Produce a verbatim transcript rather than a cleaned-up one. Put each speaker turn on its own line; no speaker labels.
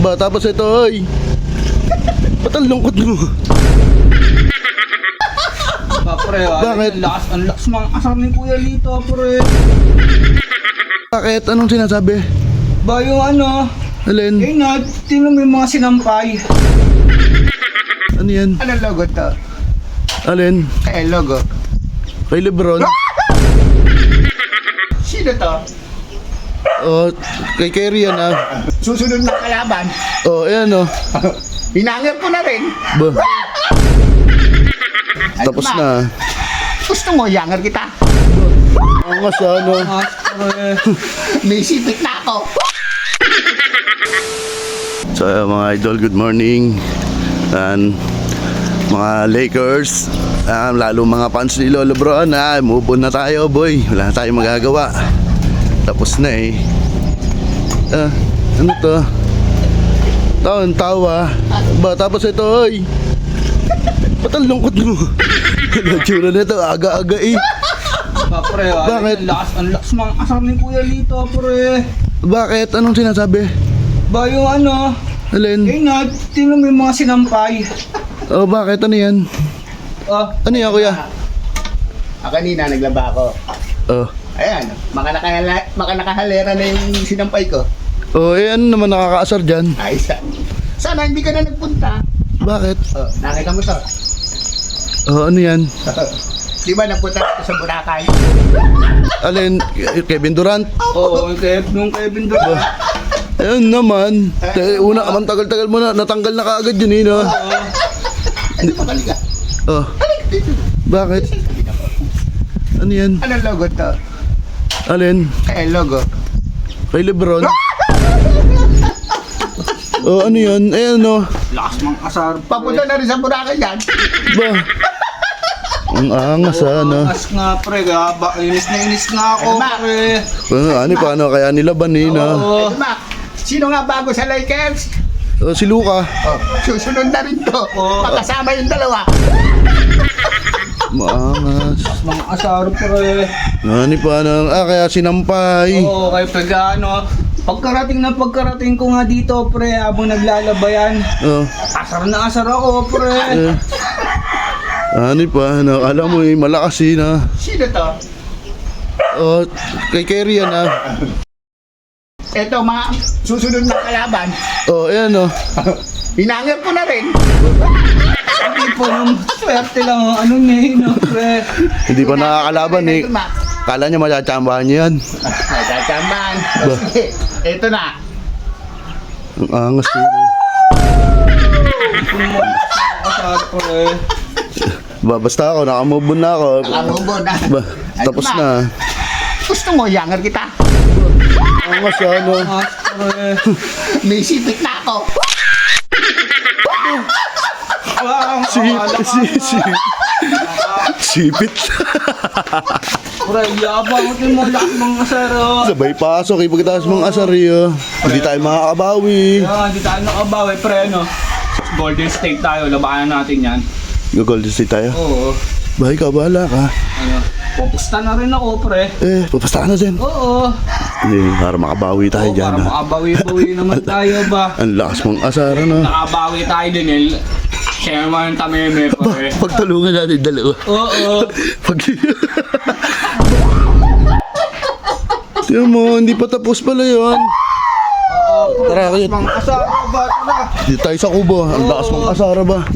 Ba, tapos ito, oy. Ba't ang lungkot mo?
Ba, pre, ah,
Bakit?
Ang lakas, ang lakas mga asar ni Kuya Lito, pre.
Bakit? Anong sinasabi?
Ba, yung ano,
Alin?
eh na, tinan mo yung mga sinampay.
Ano yan?
Anong logo to?
Alin?
Eh, logo.
Kay Lebron?
Sino to?
Oh, kay Kerry yan ah.
Susunod na kalaban.
Oh, ayan oh.
Hinangir ko na rin.
Ba. Tapos na.
Gusto mo, yanger kita.
Angas ah, ano.
May sipit na ako.
So uh, mga idol, good morning. And mga Lakers, uh, lalo mga fans ni Lolo Bron, ah, move on na tayo boy. Wala na tayong magagawa. Tapos na eh. Ah, ano to? Taon, tawa. Ba, tapos ito, oy. Ba't ang lungkot mo? Ano tsura na ito? Aga-aga eh.
Ba, pre, ah,
Bakit?
Ang lakas, ang lakas mga asar ni Kuya Lito, pre.
Bakit? Anong sinasabi?
Ba, yung ano,
Alin?
eh na, tinan mo yung mga sinampay.
Oh, bakit? Ano yan?
Ah,
Ano yan, kuya?
Ah, kanina naglaba ako.
Oh.
Ayan, maka, nakahala, maka nakahalera na yung sinampay ko.
Oh, eh ano naman nakakaasar dyan?
Ay, sa, sana hindi ka na nagpunta.
Bakit?
Oh, nakita mo to.
Oh, ano yan?
Di ba nagpunta ako sa Boracay?
Alin? Kevin Durant?
oo, yung Kev, nung Kevin Durant.
Ayun naman. Eh, una, ang tagal-tagal mo na. Natanggal na kaagad yun eh, no?
Ano pa kaliga?
Oh. Bakit? Ano yan?
Anong logo to?
Alin?
Eh, logo.
Kay Lebron? Oh, ano yan? Eh, ano?
Lakas mga asar.
Papunta na rin sa Boracay yan.
Ba? Ang angas, ah, ano?
As nga, pre, gaba, inis na inis na ako,
Ano ba?
pre.
Ano, ano, paano kaya nilaban eh, no?
Oo.
Ito, Mac. Sino nga bago sa Lakers?
Oh, si Luka.
Oh, susunod na rin to.
Oo.
Pagkasama yung dalawa.
Maangas.
Mga asar, pre.
Ano pa, ano? Ah, kaya sinampay.
Oo, kayo pag ano, pagkarating na pagkarating ko nga dito, pre, habang naglalabayan,
Oh.
asar na asar ako, pre.
Eh. Ano pa, ano? Alam mo eh, malakas eh, na.
Sino to?
Oh, kay Kerry yan ah.
Ito, mga susunod na kalaban.
Oh, ayan oh.
Hinangir ko na rin.
Hindi po nung swerte lang ang ano niya, eh, no, pre.
Hindi pa nakakalaban eh.
Ito, Mac.
Kala niya matsatsambahan niya yan.
Nagkacamban.
Ba?
Ito na.
Ang angas eh. no?
Asar, pre.
Ba, basta ako, nakamove on na ako.
Nakamubo na.
Ba, tapos
Ano,
na.
Gusto mo, yanger kita.
Angas ah, ano?
As, pre.
May sipit na ako.
Wow,
Si, si, si. Sipit.
pre, yabang ito mo lakas mga asar, oh.
Sabay pasok, ipagkataas mong asaryo. Hindi tayo makakabawi.
Kaya hindi tayo nakabawi, pre, no. Golden State tayo, labanan natin yan.
Go-Golden State tayo.
Oo.
Ba, ikaw, bahala ka.
Ano, pupusta na rin ako, pre.
Eh, papasta ka na dyan.
Oo.
Hindi, para makabawi tayo
Oo,
dyan.
para
ah.
makabawi-bawi naman tayo ba?
Ang lakas mong asar, ano?
Nakabawi tayo din eh. Share mo yung tameme, pre.
Pagtulungan natin dalawa.
Oo.
Pag... Tiyan mo, hindi pa tapos pala yun.
Oo.
Tara, kaya.
Mga asara ba? Tara.
Dito tayo sa kubo. Ang lakas mong asara ba?